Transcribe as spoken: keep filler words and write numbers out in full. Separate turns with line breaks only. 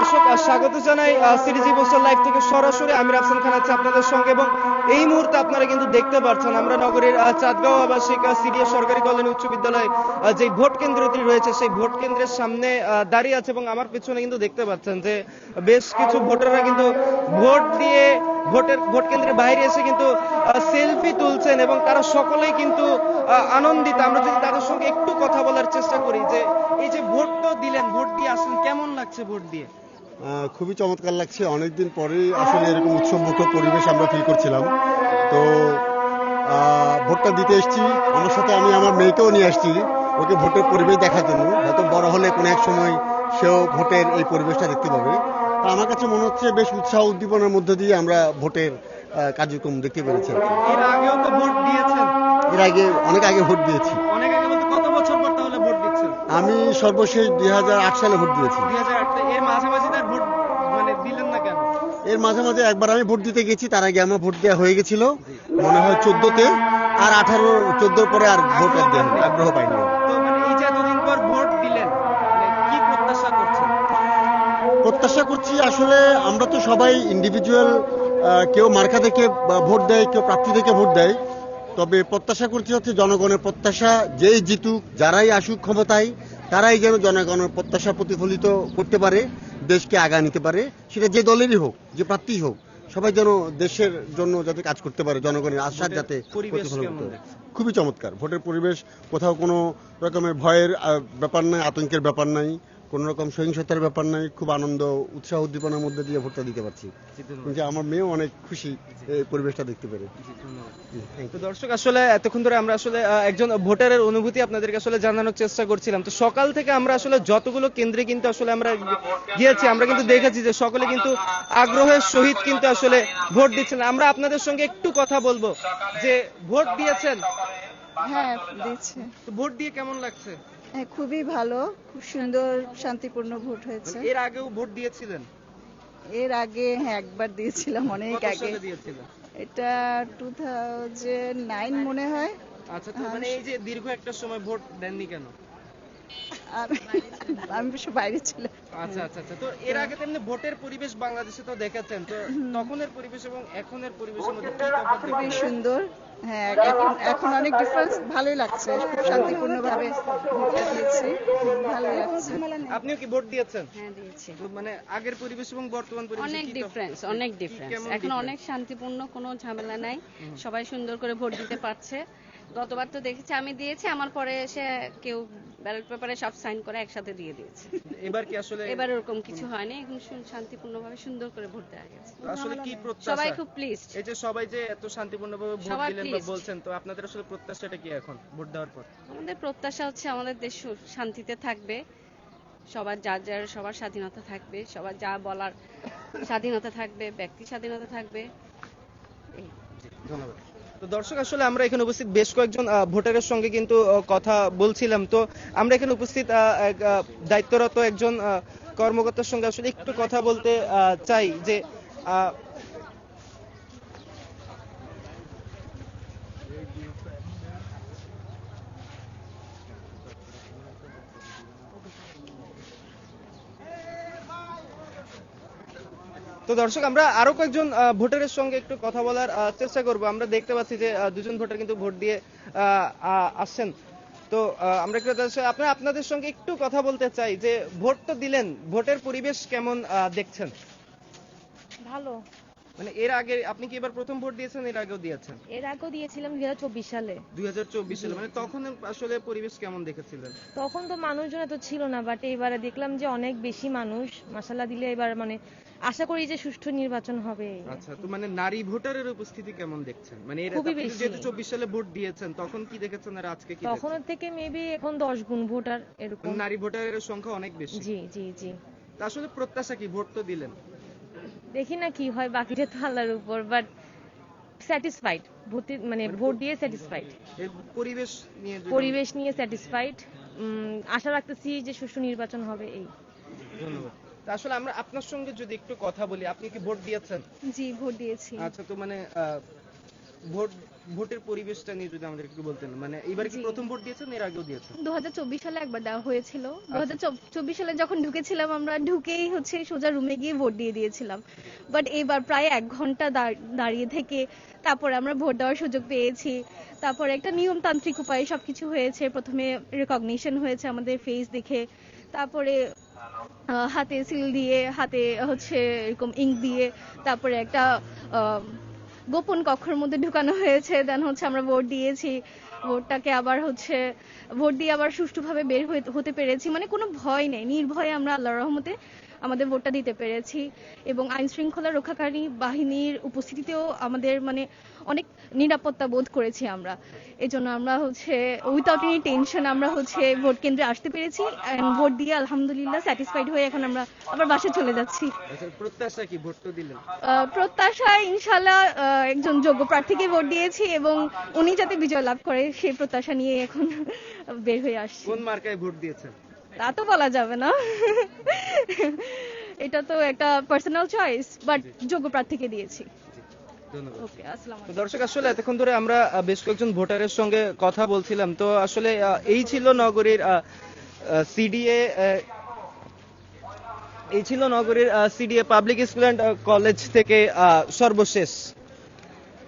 দর্শক স্বাগত জানাই সিরিজি পোস্টাল লাইভ থেকে সরাসরি আমির আফসান খান আছে আপনাদের সঙ্গে এবং এই মুহূর্তে আপনারা কিন্তু দেখতে পাচ্ছেন আমরা নগরীর চাঁদগাঁও আবাসিক সিরিয়া সরকারি কল্যাণী উচ্চ বিদ্যালয় যে ভোট কেন্দ্রটি রয়েছে সেই ভোট কেন্দ্রের সামনে দাঁড়িয়ে আছে এবং আমার পিছনে কিন্তু দেখতে পাচ্ছেন যে বেশ কিছু ভোটাররা কিন্তু ভোট দিয়ে ভোটের ভোট কেন্দ্রের বাইরে এসে কিন্তু সেলফি তুলছেন এবং তারা সকলেই কিন্তু আনন্দিত। আমরা যদি তাদের সঙ্গে একটু কথা বলার চেষ্টা করি যে এই যে ভোট তো দিলেন, ভোট দিয়ে আসলেন, কেমন লাগছে ভোট দিয়ে?
খুবই চমৎকার লাগছে। অনেকদিন পরেই আসলে এরকম উৎসবমুখর পরিবেশ আমরা ফিল করছিলাম। তো ভোটটা দিতে এসেছি, আমার সাথে আমি আমার মেয়েকেও নিয়ে আসছি ওকে ভোটের পরিবেশ দেখার জন্য। হয়তো বড় হলে কোনো এক সময় সেও ভোটের এই পরিবেশটা দেখতে পাবে। আমার কাছে মনে হচ্ছে বেশ উৎসাহ উদ্দীপনার মধ্যে দিয়ে আমরা ভোটের কার্যক্রম দেখতে পেরেছি।
এর আগেও তো ভোট দিয়েছেন?
এর আগে অনেক আগে ভোট দিয়েছি।
অনেক আগে বলতে কত বছর পর তাহলে ভোট দিচ্ছেন?
আমি সর্বশেষ দুই হাজার আট সালে ভোট দিয়েছি।
দুই হাজার আট। এর মাঝামাঝি তার ভোট মানে দিলেন না কেন?
এর মাঝে মাঝে একবার আমি ভোট দিতে গেছি, তার আগে আমার ভোট দেওয়া হয়ে গেছিল মনে হয় চোদ্দতে, আর আঠারো চোদ্দোর পরে আর ভোট আগ্রহ পাইনি।
তো মানে এই যে এতদিন পর ভোট দিলেন, মানে কি প্রত্যাশা করছেন?
প্রত্যাশা করছি আসলে আমরা তো সবাই ইন্ডিভিজুয়াল, কেউ মার্কা থেকে ভোট দেয়, কেউ প্রার্থী থেকে ভোট দেয়। তবে প্রত্যাশা করছি হচ্ছে জনগণের প্রত্যাশা যেই জিতুক, যারাই আসুক ক্ষমতায়, তারাই যেন জনগণের প্রত্যাশা প্রতিফলিত করতে পারে, দেশকে আগা নিতে পারে। সেটা যে দলেরই হোক, যে প্রার্থী হোক, সবাই যেন দেশের জন্য যাতে কাজ করতে পারে, জনগণের আশার যাতে প্রতিফলন করতে পারে। খুবই চমৎকার ভোটের পরিবেশ। কোথাও কোনো রকমের ভয়ের ব্যাপার নাই, আতঙ্কের ব্যাপার নাই, কোন রকম সহিংসতার ব্যাপার নাই। খুব আনন্দ, উৎসাহ উদ্দীপনার মধ্যে দিয়ে ভোটটা দিতে পারছি। কিন্তু আমার মেয়েও অনেক খুশি এই পরিবেশটা দেখতে পেরে।
তো দর্শক আসলে এতক্ষণ ধরে আমরা আসলে একজন ভোটারের অনুভূতি আপনাদেরকে আসলে জানানোর চেষ্টা করছিলাম। তো সকাল থেকে আমরা আসলে যতগুলো কেন্দ্রে কিন্তু আসলে আমরা গিয়েছি, আমরা কিন্তু দেখেছি যে সকলে কিন্তু আগ্রহের সহিত কিন্তু আসলে ভোট দিচ্ছেন। আমরা আপনাদের সঙ্গে একটু কথা বলবো যে ভোট দিয়েছেন?
হ্যাঁ দিচ্ছি।
তো ভোট দিয়ে কেমন লাগছে?
হ্যাঁ খুবই ভালো, খুব সুন্দর শান্তিপূর্ণ ভোট হয়েছে।
এর আগেও ভোট দিয়েছিলেন?
এর আগে হ্যাঁ একবার দিয়েছিলাম, অনেক আগে।
দিয়েছিলেন?
এটা টু থাউজেন্ড নাইন মনে হয়।
আচ্ছা, তো মানে এই যে দীর্ঘ একটা সময় ভোট দেননি কেন?
আমি বেশ বাইরে ছিলাম।
আচ্ছা আচ্ছা আচ্ছা। তো এর আগে তেমনি ভোটের পরিবেশ বাংলাদেশে তো দেখেছেন, তো তখনের পরিবেশ এবং এখনের পরিবেশের মধ্যে কি তফাৎ?
খুবই সুন্দর। হ্যাঁ এখন এখন অনেক ডিফারেন্স, ভালোই লাগছে। খুব শান্তিপূর্ণভাবে ভোটটা দিয়েছি, ভালোই লাগছে।
আপনিও কি ভোট দিয়েছেন?
হ্যাঁ দিয়েছি।
তো মানে আগের পরিবেশ এবং বর্তমান পরিবেশ
অনেক ডিফারেন্স, অনেক ডিফারেন্স। এখন অনেক শান্তিপূর্ণ, কোনো ঝামেলা নাই, সবাই সুন্দর করে ভোট দিতে পারছে। গতবার তো দেখেছি, আমি দিয়েছি, আমার পরে এসে কেউ ব্যালট পেপারে সব সাইন করে একসাথে দিয়ে দিয়েছে।
এবার কি আসলে?
এবার এরকম কিছু হয়নি, এখন শান্তিপূর্ণভাবে সুন্দর করে ভোট দেওয়া গেছে।
আসলে কি প্রত্যাশা?
সবাই খুব প্লিজড।
এই যে সবাই যে এত শান্তিপূর্ণভাবে ভোট দিলেন বা বলছেন, তো আপনাদের আসলে প্রত্যাশাটা কি এখন ভোট দেওয়ার পর?
আমাদের প্রত্যাশা হচ্ছে আমাদের দেশ শান্তিতে থাকবে, সবার যার যার সবার স্বাধীনতা থাকবে, সবার যা বলার স্বাধীনতা থাকবে, ব্যক্তি স্বাধীনতা থাকবে।
ধন্যবাদ। তো দর্শক আসলে আমরা এখানে উপস্থিত বেশ কয়েকজন ভোটারের সঙ্গে কিন্তু কথা বলছিলাম। তো আমরা এখানে উপস্থিত দায়িত্বরত একজন কর্মকর্তার সঙ্গে আসলে একটু কথা বলতে চাই যে তো দর্শক আমরা আরো কয়েকজন ভোটারের সঙ্গে একটু কথা বলার চেষ্টা করব। আমরা দেখতে পাচ্ছি যে দুজন ভোটার কিন্তু ভোট দিয়ে আসছেন। তো আমরা একটু আপনারা আপনাদের সঙ্গে একটু কথা বলতে চাই যে ভোট তো দিলেন, ভোটের পরিবেশ কেমন দেখছেন?
ভালো।
মানে এর আগে আপনি কি এবার প্রথম ভোট দিয়েছেন? এর আগেও দিয়েছেন?
এর আগেও দিয়েছিলাম দুই হাজার চব্বিশ সালে।
দুই হাজার চব্বিশ সালে মানে তখন আসলে পরিবেশ কেমন দেখেছিলেন?
তখন তো মানুষজন এত ছিল না, বাট এবারে দেখলাম যে অনেক বেশি মানুষ। মাশাআল্লাহ দিলে এবার মানে আশা করি যে সুষ্ঠু নির্বাচন হবে।
আচ্ছা, তো মানে নারী ভোটারের উপস্থিতি কেমন দেখছেন? মানে এর
খুবই
আপনি
বেশি।
যেহেতু চব্বিশ সালে ভোট দিয়েছেন তখন কি দেখেছেন আর আজকে কি দেখেছেন?
তখনের থেকে মেবি এখন দশ গুণ ভোটার এরকম।
নারী ভোটারের সংখ্যা অনেক বেশি।
জি জি জি।
তা আসলে প্রত্যাশা কি? ভোট তো দিলেন,
দেখি না কি হয়, বাকিটা তো আল্লাহর উপর। বাট স্যাটিসফাইড, ভোট মানে ভোট দিয়ে স্যাটিসফাইড।
এই পরিবেশ নিয়ে
পরিবেশ নিয়ে স্যাটিসফাইড। আশা রাখতেছি যে সুষ্ঠু নির্বাচন হবে। এই
ধন্যবাদ। তা আসলে আমরা আপনার সঙ্গে যদি একটু কথা বলি, আপনি কি ভোট দিয়েছেন?
জি ভোট দিয়েছি।
আচ্ছা, তো মানে ভোট ভোটের পরিবেশটা নিয়ে যদি আমাদের একটু বলতেন, মানে এবারে কি
জি।
প্রথম ভোট দিয়েছেন, এর আগেও দিয়েছেন?
দু হাজার চব্বিশ সালে একবার দেওয়া হয়েছিল। দু হাজার চব্বিশ সালে যখন ঢুকেছিলাম আমরা ঢুকেই হচ্ছে সোজা রুমে গিয়ে ভোট দিয়ে দিয়েছিলাম। বাট এবার প্রায় এক ঘন্টা দাঁড়- দাঁড়িয়ে থেকে তারপরে আমরা ভোট দেওয়ার সুযোগ পেয়েছি। তারপরে একটা নিয়মতান্ত্রিক উপায়ে সবকিছু হয়েছে। প্রথমে রেকগনিশন হয়েছে আমাদের ফেস দেখে, তারপরে আহ, হাতে সিল দিয়ে, হাতে হচ্ছে এরকম ইঙ্ক দিয়ে, তারপরে একটা আহ, গোপন কক্ষের মধ্যে ঢুকানো হয়েছে। দেন হচ্ছে আমরা ভোট দিয়েছি। ভোটটাকে আবার হচ্ছে ভোট দিয়ে আবার সুষ্ঠুভাবে বের হয়ে- হতে পেরেছি। মানে কোনো ভয় নেই, নির্ভয়ে আমরা আল্লাহর রহমতে আমাদের ভোটটা দিতে পেরেছি। এবং আইন শৃঙ্খলা রক্ষাকারী বাহিনীর উপস্থিতিতেও আমাদের মানে অনেক নিরাপত্তা বোধ করেছি আমরা। এজন্য আমরা হচ্ছে উইথাউট এনি টেনশন আমরা হচ্ছে ভোট কেন্দ্রে আসতে পেরেছি and ভোট দিয়ে আলহামদুলিল্লাহ স্যাটিসফাইড হয়ে এখন আমরা আবার বাসায় চলে যাচ্ছি।
আচ্ছা, প্রত্যাশা কি, ভোট তো দিলেন?
আহ, প্রত্যাশা ইনশাল্লাহ আহ, একজন যোগ্য প্রার্থীকে ভোট দিয়েছি এবং উনি যাতে বিজয় লাভ করে সেই প্রত্যাশা নিয়ে এখন বের হয়ে আসছি।
কোন মার্কায় ভোট দিয়েছেন?
তা তো বলা যাবে না, এটা তো একটা পার্সোনাল চয়েস, বাট যোগ্য প্রার্থীকে দিয়েছি।
ধন্যবাদ।
ওকে, আসসালামু
তো দর্শক, আসলে এতক্ষণ ধরে আমরা আহ, বেশ কয়েকজন ভোটারের সঙ্গে কথা বলছিলাম। তো আসলে আহ, এই ছিল নগরীর সিডিএ এই ছিল নগরীর CDA public school and college থেকে আহ, সর্বশেষ